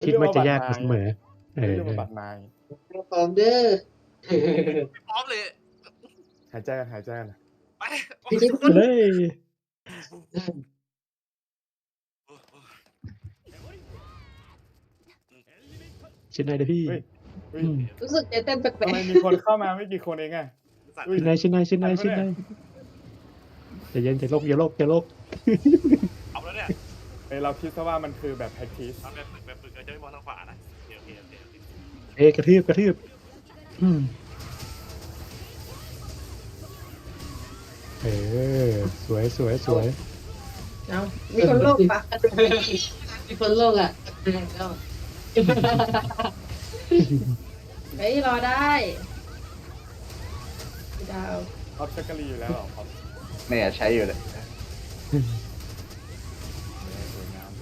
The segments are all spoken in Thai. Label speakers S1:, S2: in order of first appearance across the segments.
S1: คิดว่าจะยากเสมอ
S2: เรื่องบัตรนาย
S3: พร้อมเด้อ
S4: พร้อมเลย
S2: หายใจกัน
S4: ไป
S3: พี่จิ๊บ
S1: ไปเลยชิ้นไหนเด้อพี่
S2: เฮ้ย
S3: รู้สึกจะเต้นแปล
S2: ทำไม
S3: ก
S2: มีคนเข้ามาไม่กี่คนเองอะ
S1: ชิ้นไหนอย่าเย็นอย่าโลก
S4: เอาแล้วเนี่ย
S2: เราคิดซะว่ามันคือแบบ practice
S4: ทำแบบฝึกเราจะไม่มองทางขวานะโอเค
S1: กระทืบสวย
S3: ๆเอามีคนโลกปะมีคนโลกอ่ะแล้วเฮ้ยรอได้พี่ดาว
S2: ออฟชักกะลีอยู่แล้วเหรอครับ
S5: เนี่ยใช้อยู่เลย
S2: สวยงาม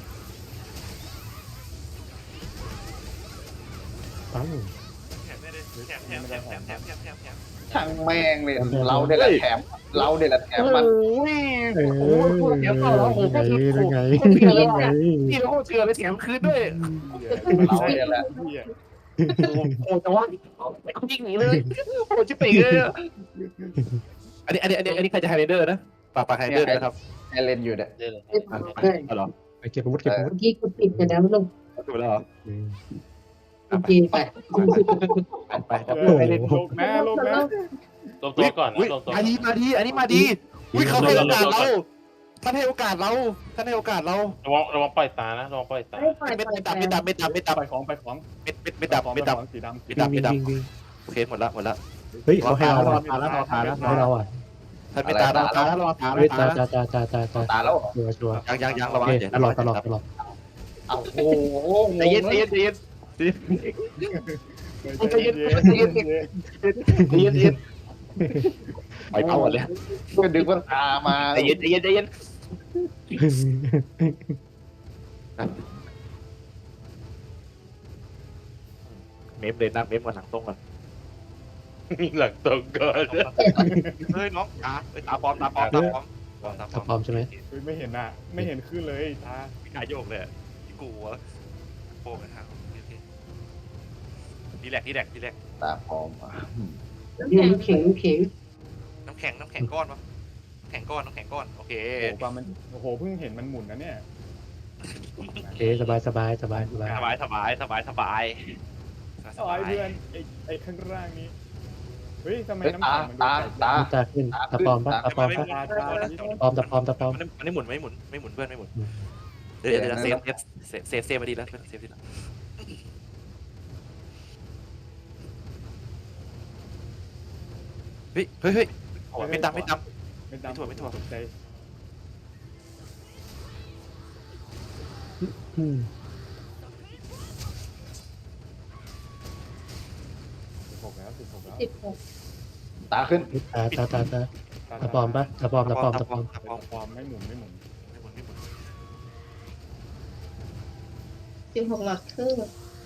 S1: ปัง
S4: แถมได้เลยแถม
S5: ช่างแม่งเลยเราเดี๋ยวแหละแถมมัน
S1: เดี๋ยวต่อแล้วผมก็คือไง
S6: นี่เราเถื่อนไปแถมคืนด้วย
S5: เราเดี๋ยวแหละ
S6: โอ้แต่ว่าเขายิงหนีเลยโอ้ชิบเป๋เลยอันนี้ใครจะไฮเดอร์นะปากไฮเดอร์นะครับ
S5: ไอเลนอยู่เนี่ย
S6: อ๋อเหรอ
S1: ไปเก็บอาวุธ
S3: เมื่อกี้กูปิดไปแล้วลง
S6: ถูกแล้วเหรอ
S3: โอเคไป
S6: ไป
S2: ไอเลนโลกนะ
S4: รวมตัวก่อนนะรวมตัว
S6: อันนี้มาดีอุ้ยเขาให้โอกาสเราท่านให้โอกาสเรา
S4: ระวังปล่อยตานะระวังปล่อยตา
S6: ไม่ดับ
S2: ไปของ
S6: ไม่ดับ
S2: สีดำ
S1: วิ่ง
S6: โอเคหมดละ
S1: เฮ้ยเขาให้เรา
S6: รอทานแล้ว
S1: ให้เราอ่ะ
S6: ท่านไม่ตารอทาน
S1: เฮ้ยตา
S5: ตาแล้ว
S1: ชัวร์
S6: ยังระวัง
S1: ตลอด
S5: โอ้โห
S6: ใจเย็น
S2: ใจเย็น
S6: ไปเผาหมดเลย
S5: ก็ดึงว่าตามา
S6: ใจเย็นเมฟเลยนั่งเมฟมาหลังตรงก่อน
S4: หลังตรงก่อนเฮ้ยน้องตาปลอม
S1: ตาปลอมใช่ไหม
S2: ไม่เห็นอ่ะไม่เห็นขึ้นเลยตา
S4: พี่กายโยกเลยพี่กูวะโป้กันฮะนี่แหละ
S5: ตาพร้อม
S3: เข็ง
S4: น้ำแข็งก้อนปะน้ำแข็งก้อนโอเค
S2: โอ้โหเพิ่งเห็นมันหมุนนะเนี่ย
S1: โอเคสบาย
S4: สบายเพื่อน
S2: ไอ้ข้างล่างนี้เฮ้ยทำไมน้ำ
S5: ตา
S2: แข็งมัน
S5: ตา
S1: ตาขึ้นตาปลอมปะตาปลอม
S4: มันไม่หมุนเพื่อนไม่หมุนเดี๋ยวเซฟมาดีแล้วเซฟดีแล้วเฮ้ยไม่ดำ
S2: ไม่ถั่วใจ16แล้ว
S3: 16
S5: ตาขึ้น
S1: ตาปลอมปะตาปลอม
S2: ไม่หมุน
S3: 16หลักครึ่ง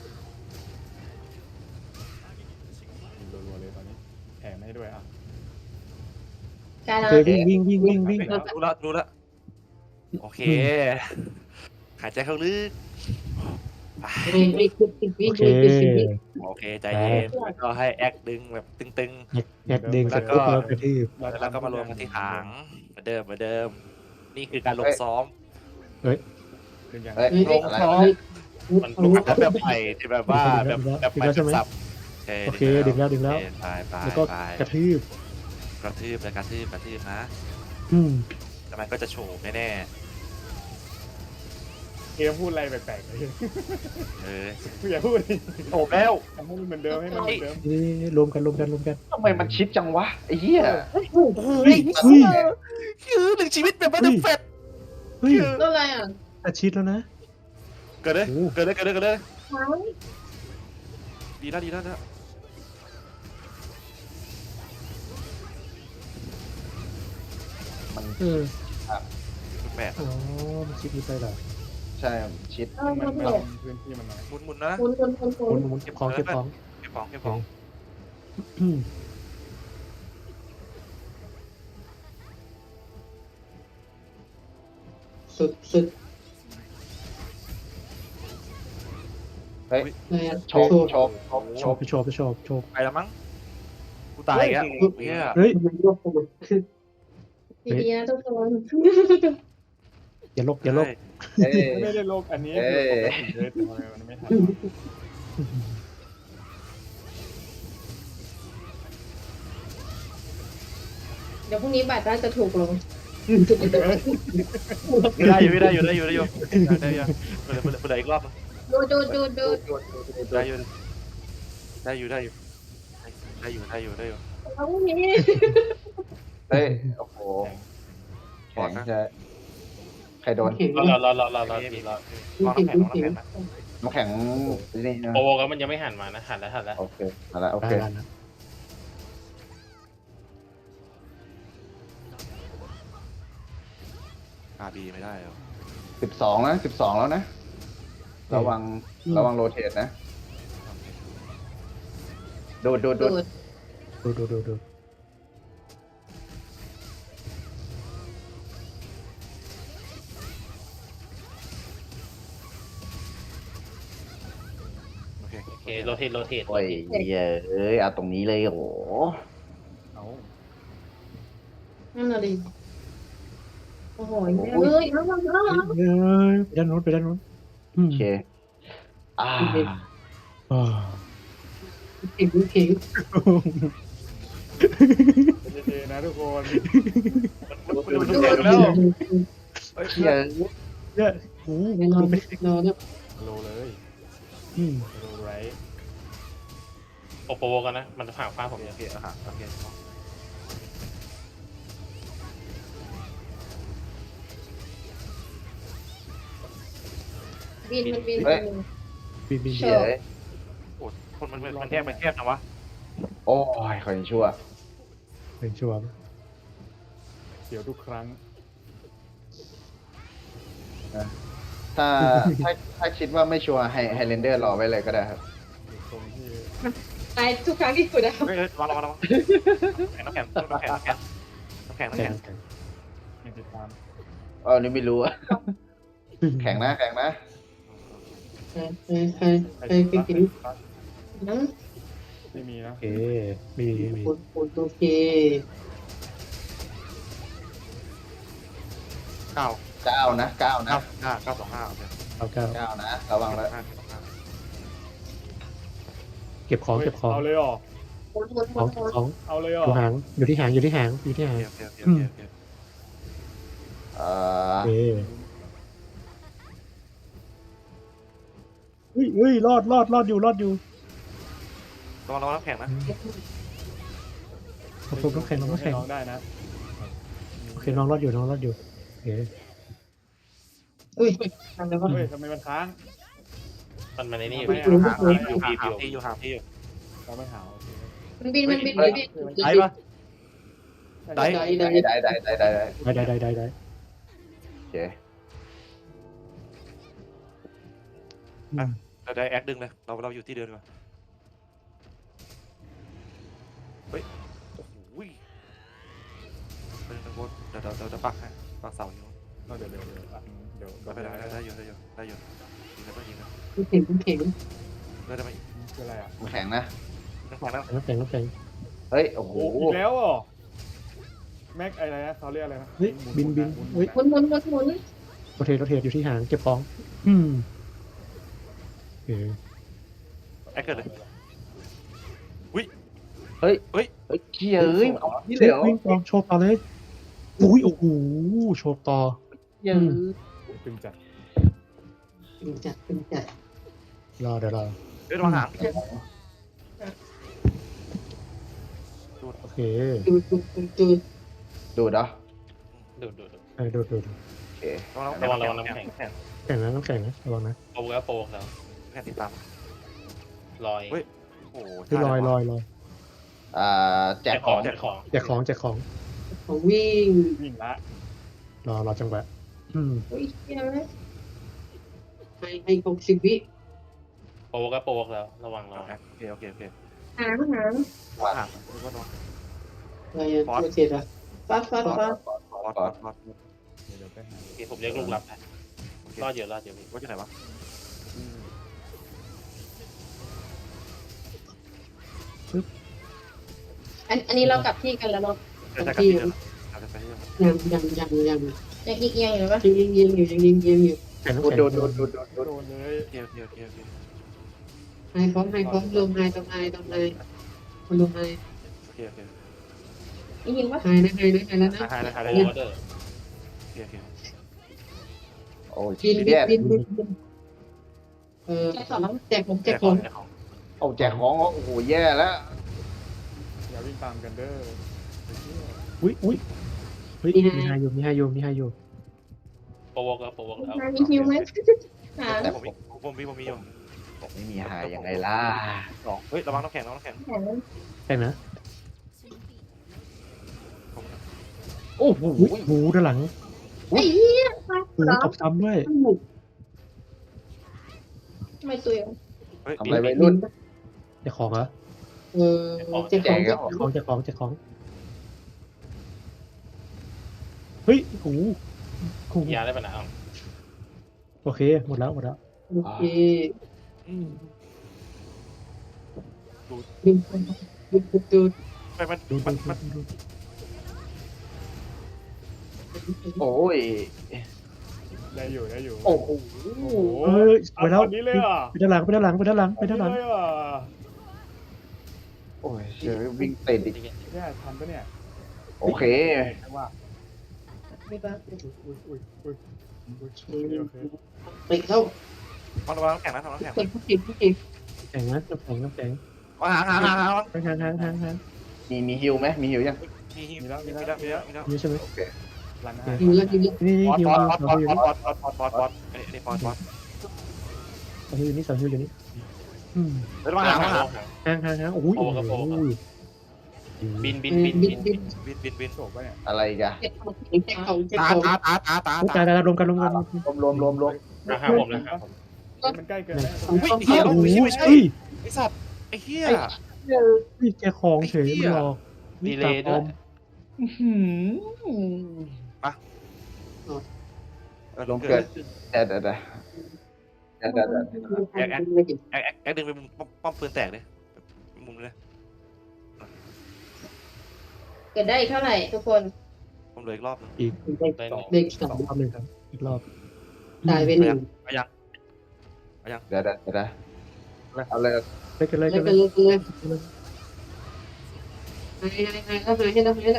S2: รัวๆเลยตอนนี้แถมให้ด้วยอ่ะ
S3: การ
S1: โอเควิ่ง
S4: รู้ละโอเคหายใจเข้าลึก
S1: โอเค
S4: โอเคใจเย็นก็ให้แอคดึงแบบตึง
S1: แอกดึงเสร็จปุ๊บเรากระทืบ
S4: แล้วก็มารวมกันที่หางเหมือนเดิมนี่คือการลงซ้อม
S2: ดึงยัง
S5: ลงท้อง
S4: มันลงแบบใหม่ที่แบบว่าแบบใหม่สับ
S1: โอเคดึงแล้ว
S4: ไป
S1: แล้วก็กระทืบ
S4: กระทืบนะแต่มันก็จะโฉบแน่
S2: เกมพูดอะไรแปลกๆเลยอย่าพูด
S6: โอ้แล้ว
S2: ทำให้มันเหมือนเดิมให้มันเหมือนเดิม
S1: รวมกัน
S5: ทำไมมันชิดจังวะไอ้เหี้ย
S6: คือหนึ่งชีวิตแบบว่าเดอะแฟต
S1: เฮ้ย
S3: แล้วอะไรอ่ะ
S1: อาชีพแล้วนะ
S4: เกิดเลยดีแล้วแปด
S1: อ๋อมันชิปนี้ไปเหรอ
S5: ใช่ชิด
S2: มันพื้นที่มันน้อย
S4: หมุนนะ
S3: คุณ
S1: เก็บของ
S4: เก็บของ
S3: สุด
S5: เฮ้ย
S3: อะไรอะ
S5: โชกโชกโชก
S1: โชว์ไปโชว์โชว์
S4: ไปแล้วมั้งกูตายอีกแล้วเนี่ย
S1: เฮ้ย
S3: ดีๆนะทุกคน
S1: อย่าลบอย่าลบ
S5: เอ้ย
S2: ไม่ได้โลกอันนี้
S5: เอ้
S2: คือย ปกติเลยแต่ทำไมมันไม่ทันวะ
S3: เดี๋ยวพรุ่งนี้บัตรน่าจะถูกลง
S4: ได้อยู่ได้อยู่ได้อยู่ได้อยู่ได้อยู่เปิดอีกรอบ
S3: ดู
S4: ได้อยู่ได้อยู่ได้อยู่ได้อยู่ได้อยู่ได้อยู่
S3: เอาพรุ่งนี้
S5: เฮ้ยโอ้โหแข็งจะใครโดน
S3: เห็นไหม
S7: รอ
S4: รอน้ำแข็งนะ
S5: น้ำแข็งนี่นะ
S7: โปโวก็มันยังไม่หันมานะหันแล้ว
S5: โอเคมาแล้วโอ
S1: ได้
S5: เค
S1: แล้วนะ
S4: บีไม่ได้หรอ
S5: 12นะ12แล้วนะระวังโรเทตนะโดด
S3: ดู
S1: ดู
S4: โอเค
S7: โอเคโรเทต
S5: โอ้ยเอ้ยเอาตรงนี้เลยโอ้โห
S2: เอา
S3: นั่นน่ะดิโอ้โหเอ้ยเอา
S1: เฮ้ยไปด้านโน้นไปด้านโน้น
S5: โอเคอ่า
S1: อ่า
S3: เก่ง
S2: เจนะทุกคน
S4: มันดูเด็กแล้ว
S5: เฮีย
S1: เนี่ยโอ้โห
S3: แน่นอน
S1: ดูไป
S3: นอนเนี่ย
S2: โลเลย
S1: อืม
S2: โลไร
S7: โปโวกันนะมันจะผ่านฟ้าผม
S4: โอเคโอเค
S3: บิน
S1: บินบิน
S3: เช
S5: เฮีย
S4: โอ้คนมันแทบมันแทบนะวะ
S5: โอ้ยขอยังชั่ว
S1: เป็นชัวร์
S2: เสียวทุกครั้ง
S5: ถ้าคิดว่าไม่ชัวร์ให้เรนเดอร์รอไว้เลยก็ได้ครับ
S2: ตรงที่
S3: ตายทุกครั้งที่กูได้
S4: เฮ้ยระวังน้ำแข็ง
S2: ยังติดตาม
S5: นี่ไม่รู้อะแข็งนะ
S3: ใครกินน้
S2: ไม่มีนะ
S1: โอเคมีมี
S3: ำโอเค
S4: 9
S5: 9 นะ
S4: 925โอเค
S1: เอาเก้า
S5: 9นะระวังแล้ว
S1: เก็บของเก็บของ
S2: เอาเลยเหรอ
S1: ของของ
S2: เอาเลยเหร
S1: อ
S2: อยู่
S1: หางอยู่ที่หางอยู่ที่หางอยู่ที่หาง
S4: โอเค
S1: เอ้เฮ้ยรอดอยู่
S4: ระวังน้ำแข็งนะ
S1: ขอบคุณน้องแข็งน้องแข็ง
S2: น้องได้นะ
S1: โอเคน้องรอดอยู่โอเค
S3: อุ้ยทำอะไรวะ
S2: เฮ้ยทำไมมันค้าง
S7: มันในนี่อยู่
S4: อยู่ห่างพี่อยู่
S2: เราไม่หาโอเค
S3: มันบิน
S4: ได้ปะ
S3: ได้
S5: ได้
S1: ได้
S5: โอเค
S4: เราได้แอคดึงเลยเราอยู่ที่เดิมดีกว่าเฮ้ยโอ้โหเดี๋ยวปักให้ปักเสาอยู่
S2: เดี๋ยว
S4: ได้อยู่ยิงแล้วก็ยิงนะ
S3: เข็ง
S4: ได้ไหม
S2: คืออะไรอ่ะ
S5: แข็งนะ
S4: น้ำแข็งแล้ว
S1: น้องแข็ง
S5: เฮ้ยโอ้โห
S2: โอ้อีกแล้วอ่ะแม็กอะไรนะเขาเรียกอะไรนะ
S1: เฮ้ยบินเฮ้ย
S3: หมุน
S1: โรเทตอยู่ที่หางเก็บของโอเค
S4: แอคเกิดเลย
S5: เฮ้ยเฮียเอ้ยเอาที่เหลว
S1: วิ่งต่อโชว์ต่อเลยอุ้ยโอ้โหโชว์ต่อ
S5: เฮีย
S2: ตึงจัด
S3: จัด
S1: รอเดี๋ยวรอ
S4: เฮ้ยระวังหาง
S1: โอเค
S3: ดู
S5: ดูดเหรอ
S7: ดู
S1: ดู
S5: โอเค
S4: ระวังน้ำแข็ง
S1: แข็งนะน้องแข็งนะระวังนะ
S7: โปโวแล้ว
S4: แข็งติดตาม
S7: ลอย
S4: โอ้โห
S1: คือลอย
S5: แจกของ
S1: แจกของ
S3: ของวิ่ง
S2: วิ่งละ
S1: รอจังหวะ
S3: อุ้ยเฮ้ยให้60 วิ
S7: โปโวแล้วระวัง
S4: โอเค
S3: หาง
S4: ระวังหางระวัง
S3: อะไรอะโรเทตอะฟาด
S4: ปอด
S2: เดี๋ยวไปหา
S7: ผมเรียกลูกรับนะรอดเยอะพี่
S4: ว่าจะไหนวะ
S3: อันนี้เรากลับที่กันแล้วเนาะ
S4: จะกลับที่เดิมจะไปที่เดิม
S3: ยังยังอีกยังอยู่ปะ
S2: โดนเลย
S4: เที่ยว
S3: ไฮพร้อมลงไฮตรงไฮคนลงไฮ
S4: เที่ยว
S3: อีกยิงปะ
S6: หายแล้วนะ
S4: หาย
S7: โอเวอร์เดอร์
S4: เที่ยว
S5: โอ้ย
S6: บิน
S5: เนี่ย
S6: แจกผม
S5: โอ้แจกของโอ้โหแย่แล้ว
S2: อย่าวิ่งตามกันเด้อ
S1: อุ้ยเฮ้ยมีไฮอยู่
S7: โปรโวกแล้ว
S3: มีคิวไหมหา
S5: แต่
S4: ผมมีอยู่
S5: ผมไม่มีหายยังไงล่ะ
S4: สองเฮ้ยระวังน้ำแข็ง
S3: แข่ง
S1: แข่งนะโอ้โหด้านหลัง
S3: ไอ้เหี้ย
S1: ตบซ้ำด้วย
S3: ทำไมตัว
S4: เฮ้ย
S5: ทำอะไรไปรุ่น
S1: จะของเหรอ
S6: แจก
S5: แจกแล้ว
S1: จะของเฮ้ยโอ้โห
S7: ยาได้ปะนะ
S1: โอเคหมดแล้ว
S6: โอเคดู
S4: ไปมัน
S1: ดู
S5: โอ้ย
S2: ได้อยู่
S5: โอ้โห
S1: เฮ้ยไปแล้ว
S2: นี้เลยอ่ะ
S1: ไปด้านหลัง
S2: เลยอ่ะ
S5: โอ้ยเดี๋ยววิ่งติดอีก
S2: เนี่ยทันปะเนี่ย
S5: โอเค
S2: ว่า
S3: มีปะ
S2: อุ้ยโอเค
S6: ติดเข้า
S4: ระวังน้ำแข็งนะระวังน้ำแข็ง
S6: ติดผู้เก่ง
S1: แข่งนะน้ำแข็ง
S4: หาง
S1: ทาง
S5: มีฮิวไหมมีฮิวยัง
S4: มีแล้ว
S1: นี่ใช่ไหม
S5: โอเค
S2: รัน
S6: อยู่แล้ว
S1: นี่
S4: ปอด
S1: ฮิว
S4: นี่
S1: เสาฮิวอยู่นี่
S4: ระวังหาง
S1: ทางโอ้ย
S7: บิน
S4: บิน
S2: โฉบปะเนี่ย
S5: อะไรอีกัน
S6: แจกของ
S4: ตา
S1: ตารวมกัน
S5: รวม
S7: ห้าผมเลยครับ
S2: มันใกล้เกินแล้ว
S4: อุ้ยเหี้ยไม่ใช่ไอสัตว์ไอเหี้ย
S1: แกของเฉยมันหลอก
S7: ดีเลยด้วย
S5: รวมเกิดเดี๋ยว
S4: แอคดึงไปมุมป้อมปืนแตกเลยมุมเลย
S3: เกิดได้อีกเท่าไหร่ทุกคน
S4: ผมเหลืออีกรอบนึง
S7: ได้หนึ่ง
S6: เด็กสอง
S1: รอบหนึ่งครับอีกรอบ
S6: ตายไปหนึ่ง
S5: เดี๋ยวเอาเลย
S1: เล่นกันเลย
S6: เลยให้แล้ว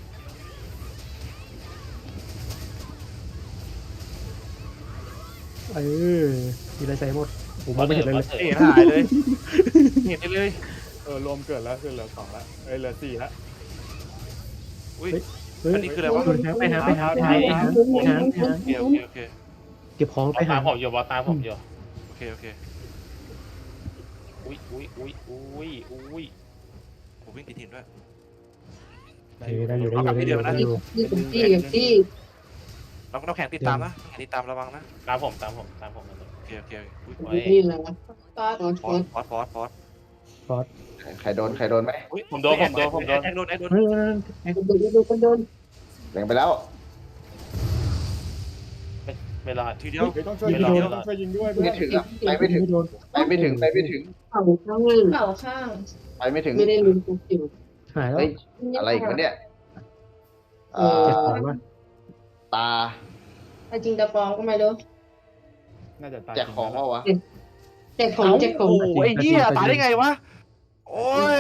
S1: มีอะไรใส่หมดผมมองไม่เห็นเลย
S4: เห็นหายเลยเห็นเลย
S2: รวมเกิดแล้วคือเหลือ2แล้วเหลือ4แล้ว
S4: อุ้ย
S1: เฮ้ย
S4: อันนี้คืออะไรวะ
S1: ไปหา
S4: โอเค
S1: เก็บของไปหา
S7: ตามผมอยู่บอสตามผมอยู่
S4: โอเค
S7: อุ้ย
S4: ผมวิ่งติดหินด้วย
S1: ได้อยู่
S6: ที่
S4: น้ำแข็งติดตามนะติดตามระวังนะ
S7: ตามผม
S4: โอเคอุ้ย
S6: นี่แหละ
S3: ก็
S6: ฟอส
S4: ฟอส
S5: ใครโดนไหม
S4: อุ้ย
S7: ผมโดน
S4: แอคโดน
S1: เฮ้ย
S6: คนโดน
S5: แบ่งไปแล้ว
S7: ไม่รอด
S4: ทีเดียว
S2: ต้องช่วยยิงด้วยเพื่
S5: ไม่
S2: อน
S5: ถึงอ่ะไปไม่ถึง
S6: เข่าข้าง
S3: เป่าข้าง
S5: ไปไม่ถึง
S6: ไม่ได้ลืมตัวจิ๋ว
S1: หายแล้ว
S5: เฮ้ยอะไรอีกวะเนี่ย
S1: เก็บของว่า
S5: ตา
S3: จริงตะปองก็ไม่รู้
S2: น่าจะตาย
S5: แจกของว่าวะ
S6: แจกของ
S4: โอ้ไอ้เหี้ยตายได้ไงวะโอ้ย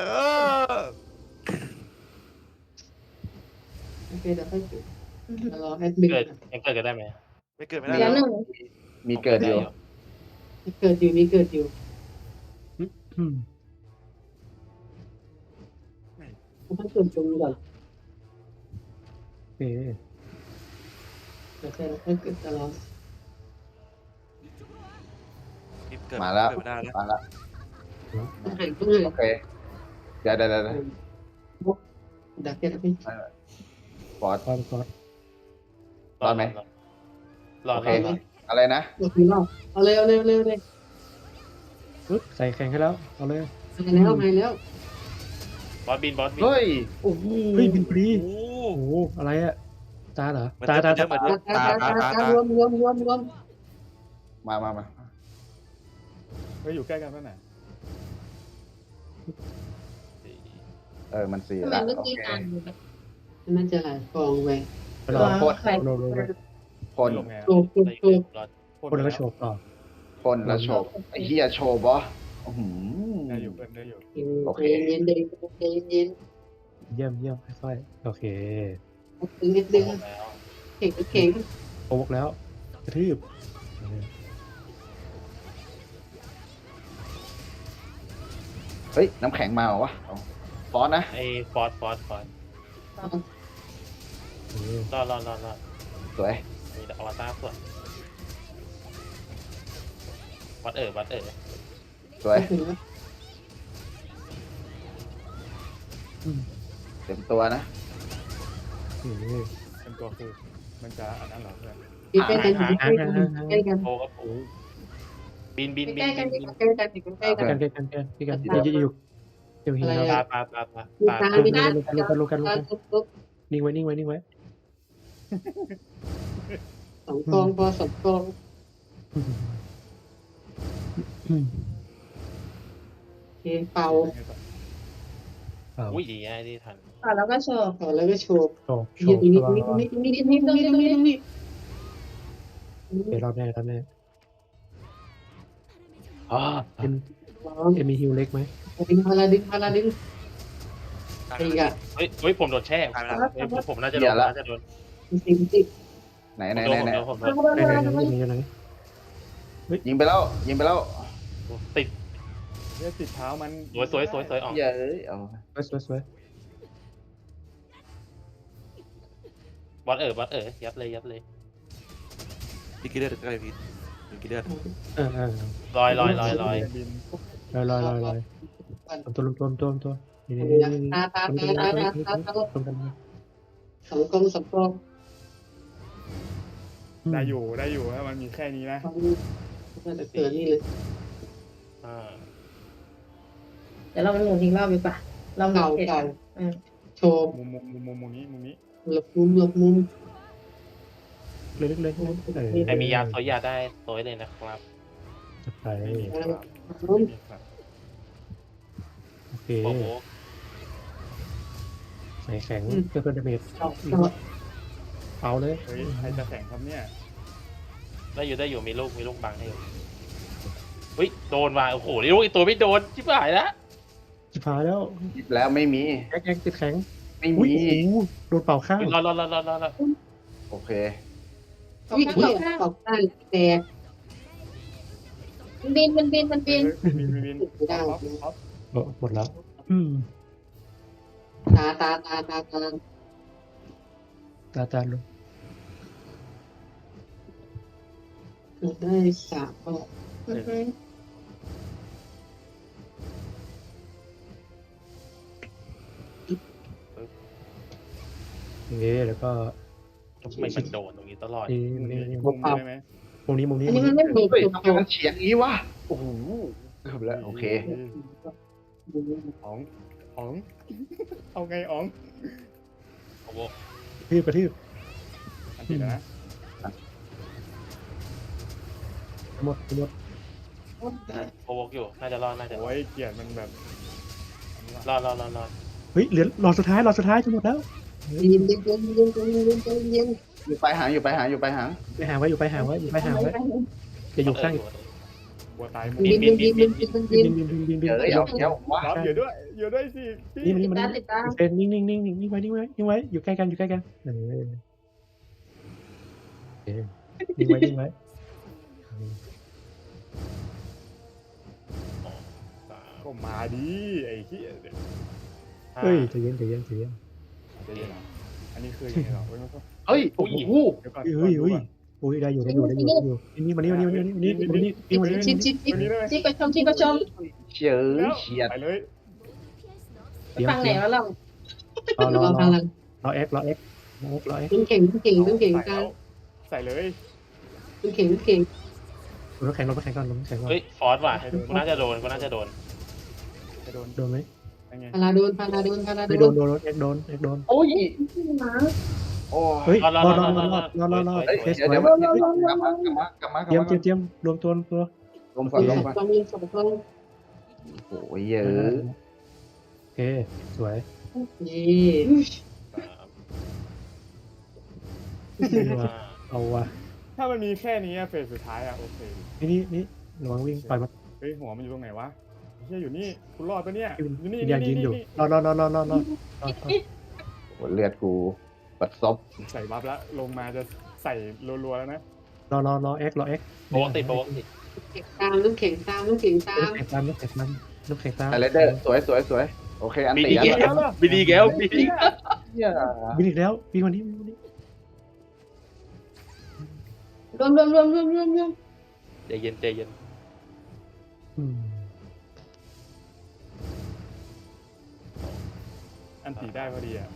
S6: โอเคเดี๋ยวค่อยปิดรอแอดมิน
S7: เกิดยังเกิดกันได้ไหม
S4: ไม่เกิดไม่ได้
S3: เดี๋ยวหนึ่ง
S5: มีเกิดอยู่
S6: เกิดอยู่ ต้องเกิดตรงนี้ก่อน
S1: โอเค
S6: เดี๋ยวค่อยเกิดตลอด
S5: มาแล้ว
S6: ต้องหาย
S5: โอเคเดี๋ยว
S6: ดักเก็ตพี่
S5: ฟอร์ด
S1: ก่อน
S7: รอด
S5: อะไรนะ
S6: หมดทีรอบเอาเลย
S1: ปึ๊บใส่แข่งให้แล้วเอาเลย
S6: มาแล้ว
S7: บอสบิน
S5: เฮ้ย
S6: โอ้โห
S1: เฮ้ยบินฟรี
S4: โอ้
S1: โอ้โหอะไรอะตาเหรอ
S4: เหมือน
S1: ตา
S4: เดิม
S6: รวม
S5: มา
S2: อยู่ใกล้กันป่ะน่ะ
S5: มันสี่
S3: ทำไม
S5: ละ
S3: เมื่อ
S5: โอ
S3: กี้
S5: เค
S3: อ่านมันจะหลายฟองไป
S1: ไปรอ
S3: ตัวใคร
S1: โลโลโล
S5: คน
S2: ลงไง
S3: โกโกโก
S1: คนแล้วก็โฉบต่อ
S5: คนแล้วโชว์ไอ้เหี้ยโชว์บออื้อหื
S2: ได้อยู่เพื่อนได้อยู่
S5: โอเค
S3: เย็นเย็นเย็นเย็น
S1: เยี่ยมเยี่ยมค่อยๆโอเค
S3: ดึงนิดดึง
S7: แล้ว
S3: เข่งเข่ง
S1: โอ๊กแล้วกระทืบ
S5: เฮ้ยน้ำแข็งมาเหรอวะเอาฟอนนะ
S7: ไอ้ฟอสรอด
S5: สวย
S7: มีอวตารส่วนวัด
S5: สวย
S3: ถึงแล้ว
S5: เต็มตัวนะ
S2: เป็นตัวคือมันจะอันนั้นเหรอเพื่อน
S3: ใกล้กันใกล้กันใกล้กัน
S7: โปกับปูบิน
S3: ใกล้กันใกล้กันใกล้กัน
S1: กันกันอยู่เดี๋ยวหิน
S7: ตา
S3: มีน้ำมีน้ำ
S1: ลูกันนิ่งไว้
S3: สองกองพอสองกองเกมเป่า
S7: อุ้ยดีไอ้ที่ทัน
S3: แล้วก็โชว์แล้วก็โชว์
S1: โฉบ
S3: ยืนนี่นี่
S1: เดี๋ยวรอบแน่
S5: อ๋อ
S1: เอ็มมีฮิวเล็กไหม
S3: ดึงพาราดึงตีอ่ะ
S7: เฮ้ยผมโดนแช่ผมน่าจะโดน
S3: จริงจริง
S5: ไหน
S7: ผมโดน
S1: ไหน
S5: ยิงไปแล้ว
S7: ติด
S2: เนี่ยติดเท้ามัน
S7: สวยอ๋อ
S5: เย้ยเอา
S1: สวย
S7: วัดยัดเลย
S4: ดิกิเลอร์ใกล้พีดิกิเลอร์
S7: ลอย
S2: บิน
S1: ลอยตัวนี่
S3: ตาสองกอง
S2: ได้อยู่ถ้ามันมีแค่นี้นะ
S3: น่าจะเกิดนี่เลย
S8: เดี๋ยวเราไปหมุนอีกรอบดีกว่าเรา
S3: เก่าโชว์
S2: มุมนี้
S3: หลบมุม
S1: เล็ก
S7: ไอมียาโซยาได้โซยเลยนะครับ
S1: จะไป
S2: ไม่มีครับ
S1: โอเค
S7: โบโบ
S1: ใส่แข็งเพื่อดาเมจเอาเลย
S2: เฮ้ยใครจะแข่งครับเนี่ย
S7: ได้อยู่มีลูกบังให้อยู่เฮ้ยโดนมาโอ้โหนี่ลูกอีตัวไม่โดนชิบหายแล้ว
S1: ชิบหายแล้ว
S5: หยิบแล้วไม่มี
S1: แอ๊กติดแข็ง
S5: ไม่มี
S1: โดนเป่าข้าง
S7: รอ
S5: โอเค
S3: วิ่งตกได้แต่
S8: บิน
S2: บิน
S1: หมดแล้ว
S3: ตา
S1: จานลง
S3: ได้สามก็
S1: แล้วก็
S7: ไม่มันโดนตรงนี้ตลอด
S1: นี่
S2: มุมได้ไหม
S1: มุมนี้
S3: อันนี้มันไม่มี
S5: เฮ้ยทำไมมันเฉียงงี้วะโอ้โหเกือบแล้วโอเค
S2: อ๋องเอาไงอ๋อง
S7: โอ้โห
S1: กระทืบ
S2: อันติดนะ
S1: หมด
S7: โอ้โหอยู่น่าจะรอด
S2: โอ้ยเกียรมันแบบ
S7: รอด
S1: เฮ้ยเหลือหลอดสุดท้ายจะหมดแล้ว
S3: ยิง
S5: อยู่ไปหาง
S1: ไปหางไว้จะอยู่ข้าง
S2: บัวตายหมด
S3: บิน
S1: บิน
S5: เดี๋ยววะ
S2: รับอยู่ด้วยสิพี่
S1: นี่มัน
S8: ติดตาม
S1: เป็นนิ่งไว้อยู่ใกล้กันนิ่งไว้
S2: ก็มาดีไอ้เหี้ย
S1: เฮ้ยใจเย็น
S2: อันนี้คือยังไงหรอ
S5: เฮ้ยโอ้โห
S2: เดี๋ยวก่อน
S1: เฮ้ยได้อยู่นี่มานี่
S8: ที่ก็ชม
S5: เฉียด
S2: ไปเลย
S8: ฟังไหนแล้วเรา
S1: รอ
S3: พลัง
S1: เอ็ก
S3: เก่งกัน
S2: ใส่เลย
S3: เก่ง
S1: น้ำแข็งก่อน
S7: เฮ้ยฟอสว่ะกูน่าจะโดน
S2: จะโดน
S1: โดนไหม
S2: ยังไง
S3: พาราโดน
S1: ไม่โดนเอ็กโดน
S5: โอ้ยโอ้
S1: เฮ้ย
S7: รอ
S5: เฮ้ย
S1: เทส
S5: เดี๋ยว
S1: ไว้
S5: กลับมา
S1: เตรียมรวมตัว
S5: ลงก่อน
S3: ต้องมีสองคน
S5: โอ้ยเยอะ
S1: โอเคสวย
S3: พนี่
S1: เอาว่ะ
S2: ถ้ามันมีแค่นี้อะเฟสสุดท้ายอะโอเค
S1: นี่ระวังวิ่งปล่อยมัน
S2: เฮ้ยหัวมันอยู่ตรงไหนวะเฮียอยู่นี่คุณรอดปะเนี่ยอยู่นี่
S1: ยังยืนอยู่
S2: นี่
S1: รอ
S5: โหเลือดกูบัดซบ
S2: ใส่บัฟแล้วลงมาจะใส่รัวๆแล้วนะ
S1: รอเอ็กรอเอ็ก
S7: โบกติดโบกติด
S3: เข็งตามลูกเข็งตามลูกเข็งตาม
S1: ลูกแข็งตามลูกแข็งตาม
S5: ไอเลเดอร์สวยโอเคอัน
S7: บี
S5: ตี
S7: ดี
S5: อัน
S7: แก้วบีดีแก้วบีดี
S5: เนี่ย
S1: วิ่งอีกแล้ววิ่งวันนี้
S8: รวม
S7: ใจเย็นใจเย็น
S2: อันตีได้พอดีอะ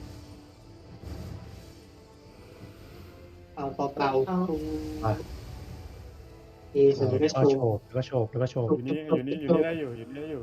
S3: เป่าเอสวย
S1: แล้วก็โฉบ
S2: อยู่นี่ได้อยู่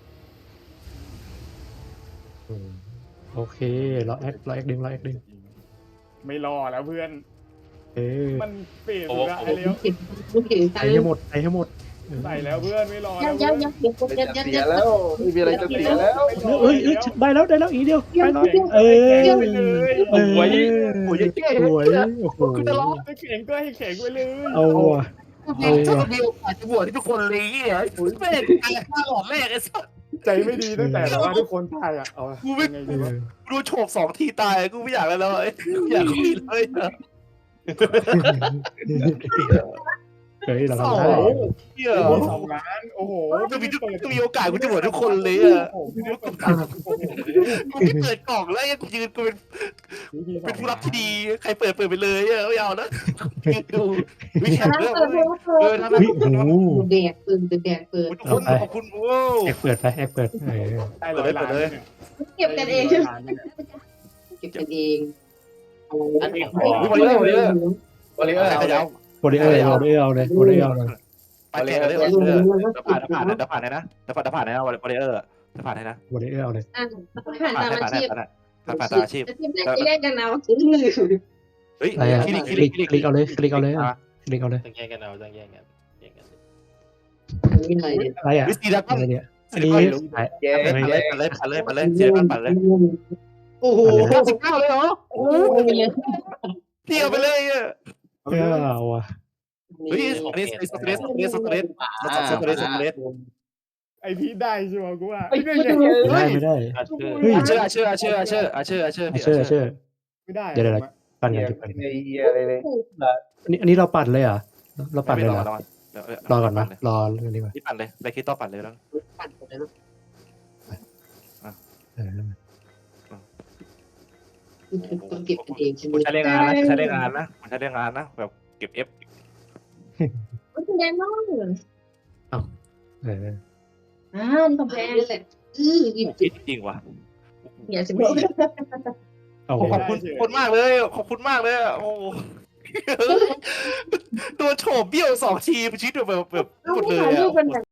S1: โอเครอเอ็กดึง
S2: ไม่รอแล้วเพื่อน มันเฟสสุดละไอเลี้ยว
S3: ลูกเข็งตา
S1: ใส่
S3: ม
S1: ให้หมด
S2: ใส่แล้วเพื่อนไม่รอแล้ว
S8: ยั
S2: เพื่อน
S5: เสียแล้วไม่มีอะไรจะเสียแล้ว
S1: เอ้ยได้แล้วอีกเดียวไปหน่อยโอ้ยโอ้โห
S2: จะร้องจะแข็งก็ให้แข็งไปเลย
S1: เอาว่ะ
S6: ถ้ามีโอกาสจะบวชที่ทุกคนเลยอ่ะไม่ได้ตายข้าหลอดแรกไอ้สัส
S2: ใจไม่ดีตั้งแต่แบบว่าทุกคนตายอะเอายังไงดีวะ
S6: ดูโฉบ2 ทีตายกูไม่อยากแล้วอยากคุยเลย
S1: เฮ้ยเรา
S6: โอ้
S1: ทำ
S6: โห
S1: ได้
S6: เหี้ย
S2: มี2 ล้านโอ้โห
S6: ก็มีโอกาสกูจะบวชทุกคนเลยอ่ะ
S2: โอ้โห
S6: กูไม่เปิดกล่องแล้วกูยืนกูเป็นผู้รับที่ดีใครเปิดไปเลยไม่เอานะดูวิแข่งเรื่องทำไม
S1: โอ้โห
S3: แดกเปิด
S6: ทุกคนขอบคุณโอ้
S1: แอกเปิด
S2: ได้100 ล้านเนี่ย
S8: เก็บกันเอง
S3: เก็บกันเอง
S6: อันนี้วอลเลอร์เอา
S1: โบเดอร์เอาเลย
S6: ไปแข่งกันเลยผ่านเลยนะผ่านนะวอลเลอร์ผ่านให้นะ
S1: โบเดอร์เอาเลย
S8: ผ่านตามอาชีพ
S6: ผ่านตามอาชีพ
S8: อาชีพได้แยกกันเอา
S6: เฮ้ย
S1: อะไรอ่ะคลิกเอาเลยคลิกเอาเลย
S7: ต้องแยกกันเอาต้องแยกกันแยกกัน
S3: นี่อะไรเนี่ย
S1: อะไรอ่ะ
S6: วิสีดัก
S1: อะไรเนี่ยอันนี้
S5: แย่
S6: ปั่นเลยเสียปั่นเลย
S3: โอ้โห
S6: 99เลยเหรอโอ้เที่ยวไปเลยอ่ะ
S1: เอาว่ะ
S6: เฮ้ยอันนี้สเตรส
S2: ไอพีได้ใช่ไหมกูว่า
S1: ไม่ได้
S6: เชื่อ
S2: ไม่ได้
S1: เดี๋ยวปั่นกัน
S5: ไอ้เหี้ยอะไรเลย
S1: อันนี้เราปั่นเลยเหรอเราปั่นเลยเหรอรอก่อนนะรอดีกว่า
S6: ที่ปั่นเลยไรคิดต่อปั่นเลยแล้ว
S3: ปั่นไปแล้วต้องเก็บกันเองใช่ไหม
S6: ผมใช้เรื่องงานนะแบบเก็บ F
S8: คุณแดนน้อง
S1: เออ
S8: นี่ของแพง
S3: นี่แหละหยิบ
S6: จริงว่ะ
S8: อย่าสิบอก
S1: เอา
S6: ขอบคุณมากเลยขอบคุณมากเลยโอ้ตัวโฉบเบี้ยว2 ทีชีวิตแบบหมดเลย
S8: ลูกเป็นแบบ